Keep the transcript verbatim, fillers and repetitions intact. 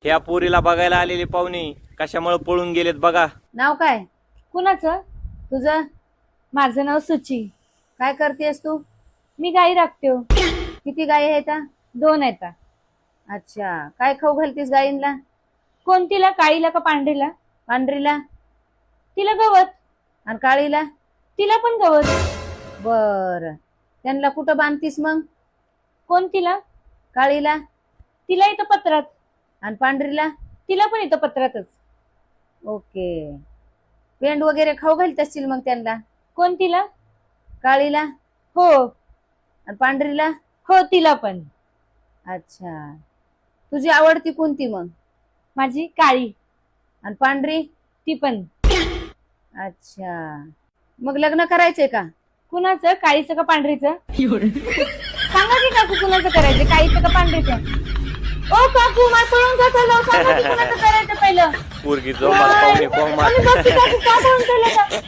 ह्या पोरीला बघायला आलेले पाहुणे कशामुळे पळून गेलेत बघा. नाव काय कुणाचं? तुझं? माझं नाव सुची. काय करतेस तू? मी गाई राखते हो. किती गायी आहेत? दोन आहेत. अच्छा, काय खाऊ घालतीस गायींना? कोणतीला, काळीला का पांढरीला? पांढरीला? तिला गवत. आणि काळीला? तिला पण गवत. बर, त्यांना कुठं बांधतीस मग? कोणतीला? काळीला? तिला इथं पत्रात. आणि पांढरीला? तिला पण इथं पत्रातच. ओके. पेंड वगैरे खाऊ घालत असतील मग त्यांना? कोणतीला? काळीला? हो. आणि पांढरीला? हो, तिला पण. अच्छा, तुझी आवडती कोणती मग? माझी काळी. आणि पांढरी? ती पण. अच्छा, मग लग्न करायचंय का? कुणाचं? काळीचं का पांढरीचं? सांगा की काकू कुणाचं करायचं, काळीचं का पांढरीचं? ओ काकू, मला पळून का चाललं? सांगा की कुणाचं करायचं पहिलं. पोरगी जोमात पाहुणे कोमात. आणि बघ की काकू का पळून चाललं का?